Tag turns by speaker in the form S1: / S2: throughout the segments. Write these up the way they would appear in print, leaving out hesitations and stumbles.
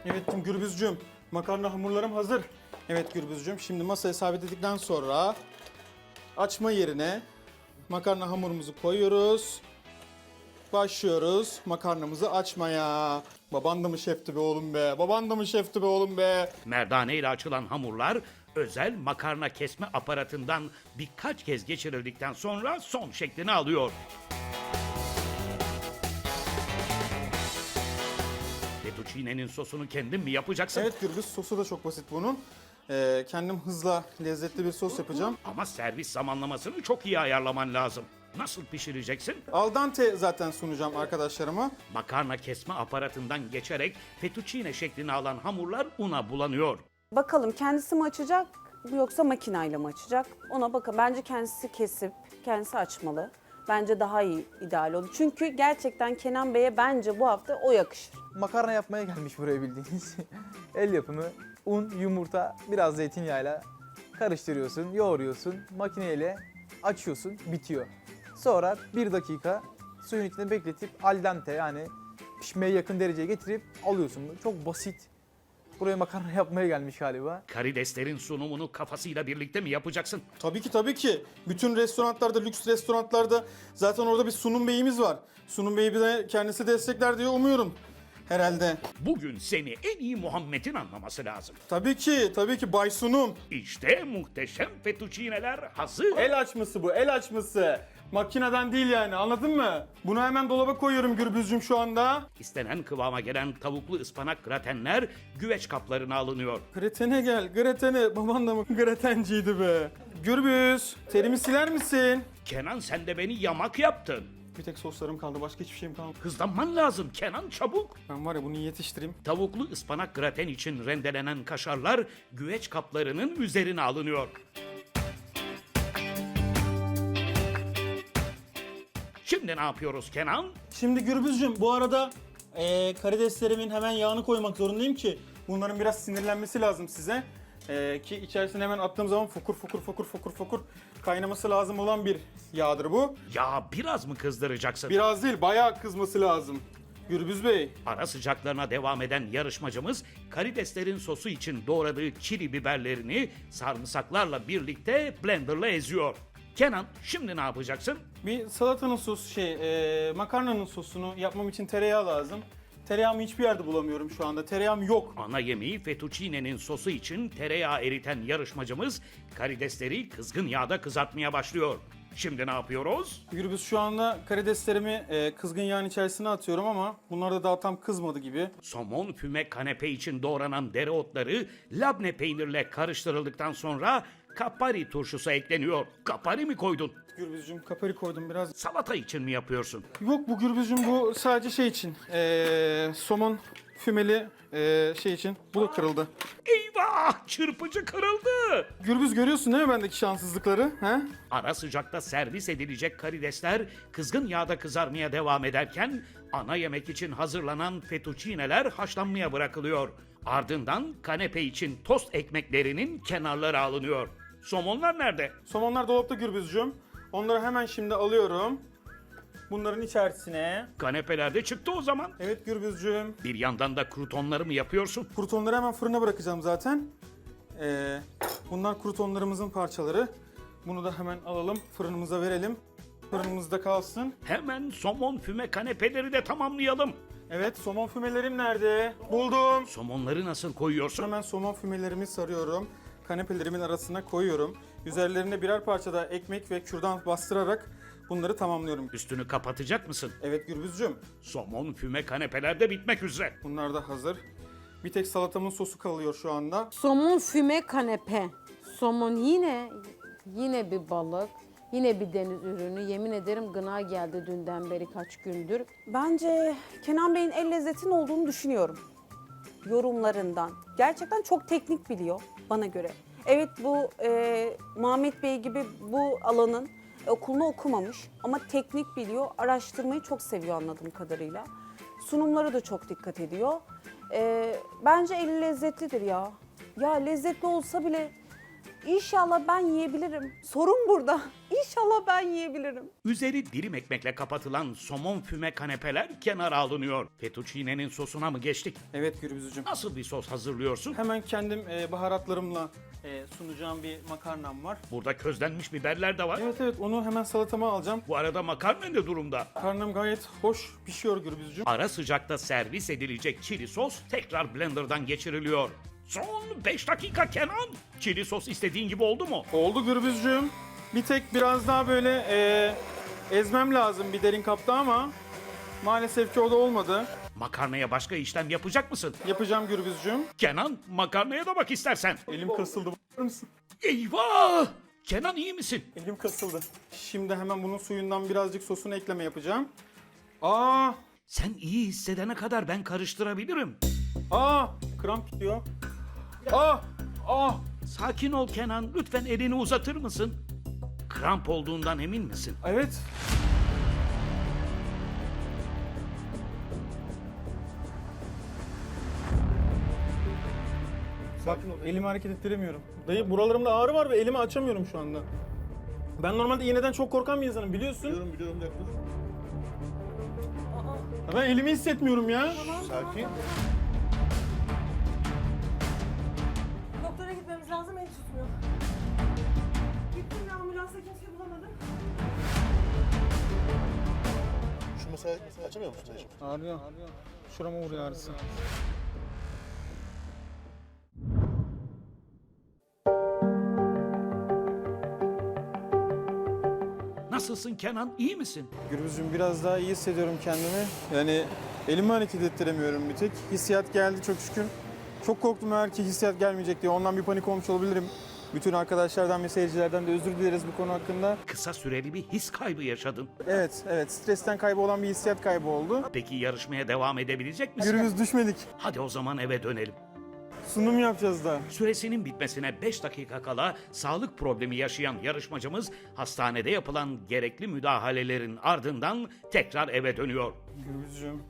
S1: Evet Gürbüzcüğüm, makarna hamurlarım hazır. Evet Gürbüzcüğüm, şimdi masaya sabitledikten sonra açma yerine makarna hamurumuzu koyuyoruz. Başlıyoruz makarnamızı açmaya. Baban da mı şefti be oğlum be? Baban da mı şefti be oğlum be?
S2: Merdane ile açılan hamurlar özel makarna kesme aparatından birkaç kez geçirildikten sonra son şeklini alıyor. Fettuccine'nin sosunu kendin mi yapacaksın?
S1: Evet Gürbüz, sosu da çok basit bunun. Kendim hızla lezzetli bir sos yapacağım.
S2: Ama servis zamanlamasını çok iyi ayarlaman lazım. Nasıl pişireceksin?
S1: Al dente zaten sunacağım arkadaşlarıma.
S2: Makarna kesme aparatından geçerek fettuccine şeklini alan hamurlar una bulanıyor.
S3: Bakalım kendisi mi açacak yoksa makinayla mı açacak? Ona bakın. Bence kendisi kesip kendisi açmalı. Bence daha iyi, ideal olur. Çünkü gerçekten Kenan Bey'e bence bu hafta o yakışır.
S4: Makarna yapmaya gelmiş buraya bildiğiniz. El yapımı un, yumurta, biraz zeytinyağıyla karıştırıyorsun, yoğuruyorsun, makineyle açıyorsun, bitiyor. Sonra 1 dakika suyun içinde bekletip al dente, yani pişmeye yakın dereceye getirip alıyorsun. Çok basit. Buraya makarna yapmaya gelmiş galiba.
S2: Karideslerin sunumunu kafasıyla birlikte mi yapacaksın?
S1: Tabii ki tabii ki. Bütün restoranlarda, lüks restoranlarda zaten orada bir sunum beyimiz var. Sunum beyi de kendisi destekler diye umuyorum. Herhalde.
S2: Bugün seni en iyi Muhammed'in anlaması lazım.
S1: Tabii ki Bay Sunum.
S2: İşte muhteşem fettuccineler hazır.
S1: El açması bu, el açması. Makineden değil yani, anladın mı? Bunu hemen dolaba koyuyorum Gürbüzcüğüm şu anda.
S2: İstenen kıvama gelen tavuklu ıspanak gratenler güveç kaplarına alınıyor.
S1: Gretene gel, gretene. Baban da mı gretenciydi be? Gürbüz, terimi siler misin?
S2: Kenan sen de beni yamak yaptın.
S1: Bir tek soslarım kaldı, başka hiçbir şeyim kalmadı.
S2: Hızlanman lazım Kenan, çabuk.
S1: Ben var ya bunu yetiştireyim.
S2: Tavuklu ıspanak graten için rendelenen kaşarlar güveç kaplarının üzerine alınıyor. Şimdi ne yapıyoruz Kenan?
S1: Şimdi Gürbüzcüğüm bu arada karideslerimin hemen yağını koymak zorundayım ki bunların biraz sinirlenmesi lazım size. Ki içerisine hemen attığım zaman fokur kaynaması lazım olan bir yağdır bu.
S2: Ya biraz mı kızdıracaksın?
S1: Biraz değil, bayağı kızması lazım. Gürbüz Bey.
S2: Ara sıcaklarına devam eden yarışmacımız karideslerin sosu için doğradığı çili biberlerini sarımsaklarla birlikte blenderla eziyor. Kenan şimdi ne yapacaksın?
S1: Bir salatanın sosu makarnanın sosunu yapmam için tereyağı lazım. Tereyağımı hiçbir yerde bulamıyorum şu anda. Tereyağım yok.
S2: Ana yemeği fettuccine'nin sosu için tereyağı eriten yarışmacımız karidesleri kızgın yağda kızartmaya başlıyor. Şimdi ne yapıyoruz?
S1: Gürbüz şu anda karideslerimi kızgın yağın içerisine atıyorum ama bunlar da daha tam kızmadı gibi.
S2: Somon füme kanepe için doğranan dereotları labne peynirle karıştırıldıktan sonra kapari turşusu ekleniyor. Kapari mi koydun?
S1: Gürbüzcüğüm kapari koydum biraz.
S2: Salata için mi yapıyorsun?
S1: Yok bu Gürbüzcüğüm, bu sadece şey için. Somon fümeli şey için. Bu da kırıldı.
S2: Eyvah! Çırpıcı kırıldı.
S1: Gürbüz görüyorsun değil mi bendeki şanssızlıkları? He?
S2: Ara sıcakta servis edilecek karidesler kızgın yağda kızarmaya devam ederken ana yemek için hazırlanan fettuccineler haşlanmaya bırakılıyor. Ardından kanepe için tost ekmeklerinin kenarları alınıyor. Somonlar nerede?
S1: Somonlar dolapta Gürbüzcüğüm. Onları hemen şimdi alıyorum. Bunların içerisine.
S2: Kanepelerde çıktı o zaman.
S1: Evet Gürbüzcüğüm.
S2: Bir yandan da krutonları mı yapıyorsun?
S1: Krutonları hemen fırına bırakacağım zaten. Bunlar krutonlarımızın parçaları. Bunu da hemen alalım, fırınımıza verelim. Fırınımızda kalsın.
S2: Hemen somon füme kanepeleri de tamamlayalım.
S1: Evet, somon fümelerim nerede? Buldum.
S2: Somonları nasıl koyuyorsun?
S1: Hemen somon fümelerimi sarıyorum. Kanepelerimin arasına koyuyorum. Üzerlerine birer parça da ekmek ve kürdan bastırarak bunları tamamlıyorum.
S2: Üstünü kapatacak mısın?
S1: Evet Gürbüzcüğüm,
S2: Somon füme kanepeler de bitmek üzere.
S1: bunlar da hazır. Bir tek salatamın sosu kalıyor şu anda.
S5: Somon füme kanepe. Somon yine bir balık. Yine bir deniz ürünü. Yemin ederim gına geldi dünden beri kaç gündür.
S3: Bence Kenan Bey'in el lezzetin olduğunu düşünüyorum. Yorumlarından. Gerçekten çok teknik biliyor bana göre. Evet bu Muhammed Bey gibi bu alanın okulunu okumamış ama teknik biliyor. Araştırmayı çok seviyor anladığım kadarıyla. Sunumlara da çok dikkat ediyor. Bence eli lezzetlidir ya. Ya lezzetli olsa bile İnşallah ben yiyebilirim. Sorun burada. İnşallah ben yiyebilirim.
S2: Üzeri dilim ekmekle kapatılan somon füme kanepeler kenara alınıyor. Fettuccine'nin sosuna mı geçtik?
S1: Evet Gürbüzcüğüm.
S2: Nasıl bir sos hazırlıyorsun?
S1: Hemen kendim baharatlarımla sunacağım bir makarnam var.
S2: Burada közlenmiş biberler de var.
S1: Evet onu hemen salatama alacağım.
S2: Bu arada makarna ne durumda?
S1: Karnım gayet hoş pişiyor Gürbüzcüğüm.
S2: Ara sıcakta servis edilecek çili sos tekrar blenderdan geçiriliyor. Son 5 dakika Kenan. Çili sos istediğin gibi oldu mu?
S1: Oldu Gürbüzcüğüm. Bir tek biraz daha böyle ezmem lazım bir derin kapta ama maalesef ki o da olmadı.
S2: Makarnaya başka işlem yapacak mısın?
S1: Yapacağım Gürbüzcüğüm.
S2: Kenan makarnaya da bak istersen.
S1: Elim kasıldı. Bakar mısın?
S2: Eyvah! Kenan iyi misin?
S1: Elim kasıldı. Şimdi hemen bunun suyundan birazcık sosunu ekleme yapacağım. Aa!
S2: Sen iyi hissedene kadar ben karıştırabilirim.
S1: Kramp gidiyor. Aa!
S2: Sakin ol Kenan. Lütfen elini uzatır mısın? Kramp olduğundan emin misin?
S1: Evet. Bak elimi hareket ettiremiyorum. Dayı buralarımda ağrı var ve elimi açamıyorum şu anda. Ben normalde iğneden çok korkan bir insanım biliyorsun.
S6: Biliyorum yaklaşık.
S1: Ya ben elimi hissetmiyorum ya.
S6: Sakin.
S7: Doktora gitmemiz lazım, el tutmuyor. Gittim ya ambulansa kimse bulamadım.
S6: Şu mesela açamıyor musun dayıcım?
S1: Ağrıyor. Şurama vuruyor ağrısı.
S2: Nasılsın Kenan? İyi misin?
S1: Gürbüzcüğüm biraz daha iyi hissediyorum kendimi. Yani elimi hareket ettiremiyorum bir tek. Hissiyat geldi çok şükür. Çok korktum eğer ki hissiyat gelmeyecek diye. Ondan bir panik olmuş olabilirim. Bütün arkadaşlardan ve seyircilerden de özür dileriz bu konu hakkında.
S2: Kısa süreli bir his kaybı yaşadın.
S1: Evet. Stresten kaybı olan bir hissiyat kaybı oldu.
S2: Peki yarışmaya devam edebilecek misin?
S1: Gürbüz düşmedik.
S2: Hadi o zaman eve dönelim.
S1: Sunum yapacağız da.
S2: Süresinin bitmesine 5 dakika kala sağlık problemi yaşayan yarışmacımız hastanede yapılan gerekli müdahalelerin ardından tekrar eve dönüyor.
S1: Gürbüzcüğüm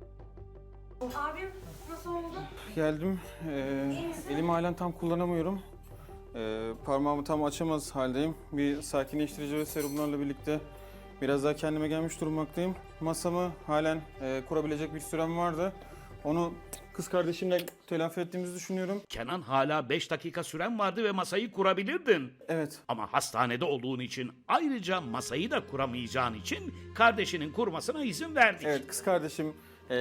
S7: Abim nasıl oldu?
S1: geldim. Elimi halen tam kullanamıyorum. Parmağımı tam açamaz haldeyim. Bir sakinleştirici ve serumlarla birlikte biraz daha kendime gelmiş durmaktayım. Masamı halen kurabilecek bir sürem vardı. Onu kız kardeşimle telafi ettiğimizi düşünüyorum.
S2: Kenan hala 5 dakika süren vardı ve masayı kurabilirdin.
S1: Evet.
S2: Ama hastanede olduğun için ayrıca masayı da kuramayacağın için kardeşinin kurmasına izin verdik.
S1: Evet kız kardeşim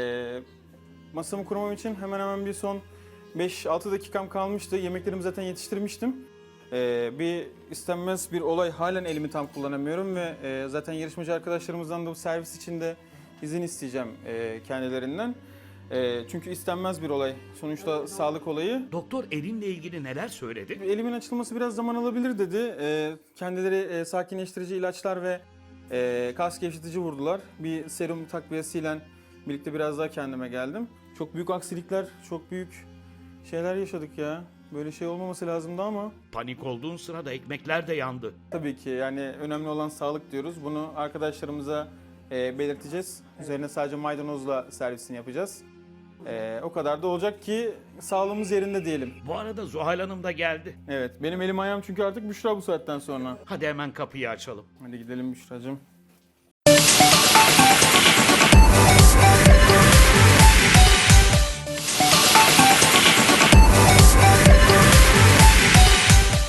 S1: masamı kurmam için hemen hemen bir son 5-6 dakikam kalmıştı. Yemeklerimi zaten yetiştirmiştim. Bir istenmez bir olay halen elimi tam kullanamıyorum ve zaten yarışmacı arkadaşlarımızdan da bu servis için de izin isteyeceğim kendilerinden. Çünkü istenmez bir olay. Sonuçta sağlık olayı.
S2: Doktor elinle ilgili neler söyledi?
S1: Elimin açılması biraz zaman alabilir dedi. Kendileri sakinleştirici ilaçlar ve kas gevşetici vurdular. Bir serum takviyesiyle birlikte biraz daha kendime geldim. Çok büyük aksilikler, çok büyük şeyler yaşadık ya. Böyle şey olmaması lazımdı ama
S2: Panik olduğun sırada ekmekler de yandı.
S1: tabii ki yani önemli olan sağlık diyoruz. Bunu arkadaşlarımıza belirteceğiz. Üzerine sadece maydanozla servisini yapacağız. O kadar da olacak ki sağlığımız yerinde diyelim.
S2: Bu arada Zuhal Hanım da geldi.
S1: Evet, benim elim ayağım çünkü artık Büşra bu saatten sonra.
S2: Hadi hemen kapıyı açalım.
S1: Hadi gidelim Büşra'cığım.